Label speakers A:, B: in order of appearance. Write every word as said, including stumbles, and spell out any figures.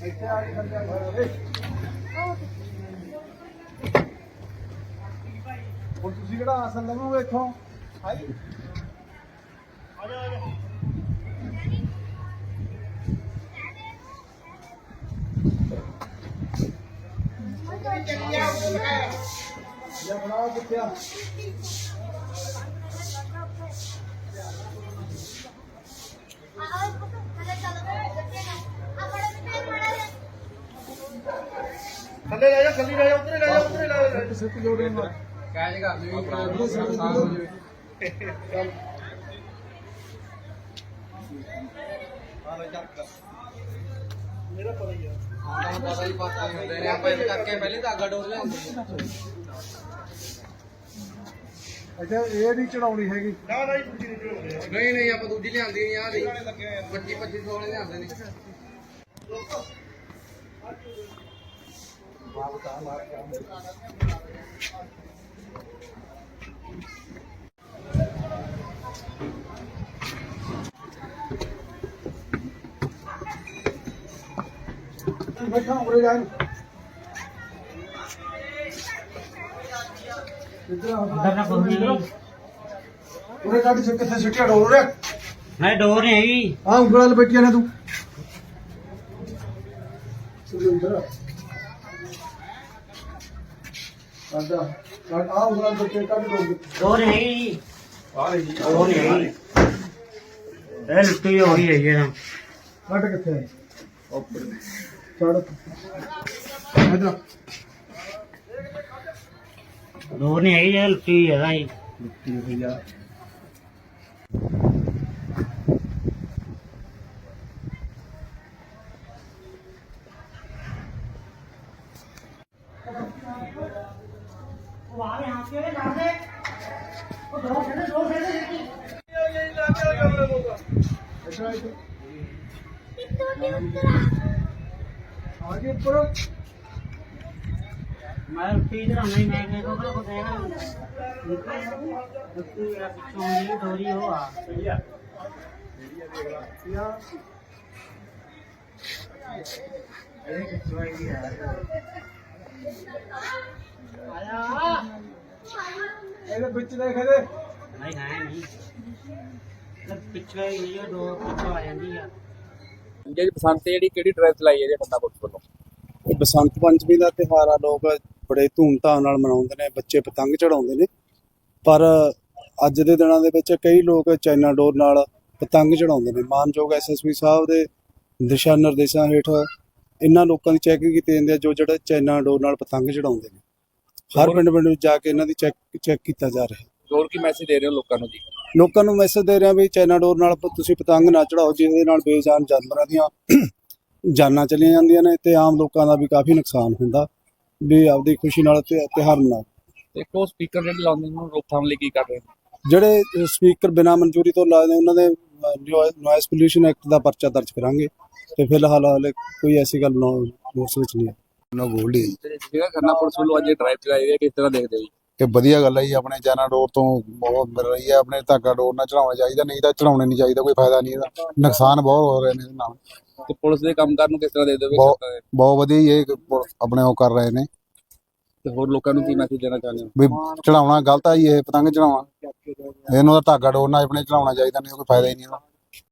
A: ਹੁਣ ਤੁਸੀਂ ਕਿਹੜਾ ਆਸਨ ਲਵੋਗੇ ਇੱਥੋਂ? ਹਾਈ ਆ ਜਾ ਆ ਜਾ या बनाओ कितना थल्ले ले जा थल्ली ले जा उतरे ले जा उतरे ले जा सिर्फ जोड़े ना कैच कर ले आसान हो जाए हां ले जा मेरा पता ही है हां पता ही पता ही होते हैं आप ऐसे करके पहले धागा डोर ले अच्छा ये नहीं चढ़ाउनी हैगी ना ना ही दूजी नहीं चढ़ाउनी नहीं नहीं आप दूजी लियांदी नहीं आ नहीं पच्चीस पच्चीस सौ वाले लियांदे नहीं वाह बता मार काम बैठा उरे जाए
B: इधर ना बोलनी
A: उरे काटी से कितने सिटिया डोर रे
B: मैं डोर नहीं हैगी
A: हां ਉਂਗਲਾਂ ਨਾਲ ਬੈਠੀਆਂ ਨੇ ਤੂੰ ਸੁਰਿੰਦਰ ਆਂਦਾ ਕਾਟ ਆ ਉਂਗਲਾਂ ਨਾਲ ਬੱਚੇ ਕੱਢ ਦੋ
B: डोर नहीं हैगी
A: ਆ ਰਹੀ
B: डोर नहीं हैगी ए लुट्टी हो गई है ये ना
A: ਕੱਢ ਕਿੱਥੇ ਹੈ ਉੱਪਰ ਚੜ ਇਧਰ
B: डोर नहीं हैगी ये लुट्टी है ना ये
A: ਮਿੱਟੀ ਭਈਆ
B: वहां यहां पे ला दे वो दो से दो से
A: आगे ऊपर
B: मैं लुट्टी इधर नहीं मैं मैं को को देना लुट्टी या पिछों डोरी हो आ
A: भैया या
B: अरे कितना ही है आया
A: ਇਹਦੇ ਵਿੱਚ ਦੇਖ ਇਹਦੇ
B: नहीं है नहीं पिछले ये दो पिछो आ जाती है
C: ਜਿਹੜੀ ਬਸੰਤ ਜਿਹੜੀ ਕਿਹੜੀ ਡਰਾਈਵ ਚਲਾਈ ਹੈ ਜੀ ਠੰਡਾ ਪੁਲਿਸ ਵੱਲੋਂ?
D: ਇਹ ਬਸੰਤ ਪੰਚਮੀ ਦਾ ਤਿਉਹਾਰ ਆ, ਲੋਕ ਬੜੇ ਧੂਮਧਾਮ ਨਾਲ ਮਨਾਉਂਦੇ ਨੇ, ਬੱਚੇ ਪਤੰਗ ਚੜਾਉਂਦੇ ਨੇ। ਪਰ ਅੱਜ ਦੇ ਦਿਨਾਂ ਦੇ ਵਿੱਚ ਕਈ ਲੋਕ ਚਾਈਨਾ ਡੋਰ ਨਾਲ ਪਤੰਗ ਚੜਾਉਂਦੇ ਨੇ। ਮਾਨਯੋਗ ਐਸਐਸਪੀ ਸਾਹਿਬ ਦੇ ਦਿਸ਼ਾ ਨਿਰਦੇਸ਼ਾਂ ਹੇਠ ਇਹਨਾਂ ਲੋਕਾਂ ਦੀ ਚੈਕਿੰਗ ਕੀਤੀ ਜਾਂਦੀ ਹੈ ਜੋ ਜਿਹੜੇ ਚਾਈਨਾ ਡੋਰ ਨਾਲ ਪਤੰਗ ਚੜਾਉਂਦੇ ਨੇ। ਹਰ ਪਿੰਡ ਪਿੰਡ ਵਿੱਚ ਜਾ ਕੇ ਇਹਨਾਂ ਦੀ ਚੈੱਕ ਚੈੱਕ ਕੀਤਾ ਜਾ ਰਿਹਾ ਹੈ।
C: ਹੋਰ ਕੀ ਮੈਸੇਜ ਦੇ ਰਹੇ ਹੋ ਲੋਕਾਂ ਨੂੰ ਜੀ?
D: ਲੋਕਾਂ ਨੂੰ ਮੈਸੇਜ ਦੇ ਰਿਹਾ ਵੀ ਚਾਈਨਾ ਡੋਰ ਨਾਲ ਤੁਸੀਂ ਪਤੰਗ ਨਾ ਚੜਾਓ, ਜਿਹਦੇ ਨਾਲ ਬੇਜਾਨ ਜਾਨਵਰਾਂ ਦੀਆਂ ਜਾਨਾਂ ਚਲੀਆਂ ਜਾਂਦੀਆਂ ਨੇ ਤੇ ਆਮ ਲੋਕਾਂ ਦਾ ਵੀ ਕਾਫੀ ਨੁਕਸਾਨ ਹੁੰਦਾ। ਵੀ ਆਪਦੀ ਖੁਸ਼ੀ ਨਾਲ ਤਿਉਹਾਰ ਮਨਾਓ।
C: ਇੱਕ ਉਹ ਸਪੀਕਰ ਜਿਹੜੇ ਲਾਉਂਦੇ ਨੇ ਰੋਕਥਾਮ ਲਈ ਕੀ ਕਰ ਰਹੇ ਨੇ?
D: ਜਿਹੜੇ ਸਪੀਕਰ ਬਿਨਾਂ ਮਨਜ਼ੂਰੀ ਤੋਂ ਲਾਏ ਉਹਨਾਂ ਦੇ ਨੋਇਸ ਪੋਲਿਊਸ਼ਨ ਐਕਟ ਦਾ ਪਰਚਾ ਦਰਜ ਕਰਾਂਗੇ ਤੇ ਫਿਲਹਾਲ ਹਾਲੇ ਕੋਈ ਐਸੀ ਗੱਲ ਨੋਟਿਸ ਵਿੱਚ ਨਹੀਂ ਹੈ।
E: ਨਾ ਗੋਲਡੀ
C: ਜਿਹੜਾ ਖੰਨਾ ਪੁਲਿਸ ਵੱਲੋਂ ਅੱਜ ਡਰਾਈਵ ਚਲਾਈ ਹੈ ਕਿਸ ਤਰ੍ਹਾਂ ਦੇਖਦੇ ਹੋ ਜੀ?
E: ਕਿ ਵਧੀਆ ਗੱਲ ਹੈ ਜੀ, ਆਪਣੇ ਚਾਈਨਾ ਡੋਰ ਤੋਂ ਬਹੁਤ ਮਿਲ ਰਹੀ ਹੈ। ਆਪਣੇ ਧਾਗਾ ਡੋਰ ਨਾਲ ਚੜਾਉਣਾ ਚਾਹੀਦਾ, ਨਹੀਂ ਤਾਂ ਚੜਾਉਣੇ ਨਹੀਂ ਚਾਹੀਦਾ, ਕੋਈ ਫਾਇਦਾ ਨਹੀਂ ਇਹਦਾ, ਨੁਕਸਾਨ ਬਹੁਤ ਹੋ ਰਹੇ ਨੇ ਇਹਦੇ ਨਾਲ।
C: ਤੇ ਪੁਲਿਸ ਦੇ ਕੰਮਕਾਰ ਨੂੰ ਕਿਸ ਤਰ੍ਹਾਂ ਦੇਖਦੇ ਹੋ?
E: ਬਹੁਤ ਬਹੁਤ ਵਧੀਆ ਹੀ ਇਹ ਆਪਣੇ ਉਹ ਕਰ ਰਹੇ ਨੇ।
C: ਤੇ ਹੋਰ ਲੋਕਾਂ ਨੂੰ ਕੀ ਮੈਸੇਜ ਦੇਣਾ ਚਾਹੁੰਦੇ ਹੋ?
E: ਵੀ ਚੜਾਉਣਾ ਗਲਤ ਆ ਜੀ, ਇਹ ਪਤੰਗ ਚੜਾਉਣਾ, ਇਹਨੂੰ ਤਾਂ ਧਾਗਾ ਡੋਰ ਨਾਲ ਆਪਣੇ ਚੜਾਉਣਾ ਚਾਹੀਦਾ, ਨਹੀਂ ਕੋਈ ਫਾਇਦਾ ਹੀ ਨਹੀਂ ਇਹਦਾ।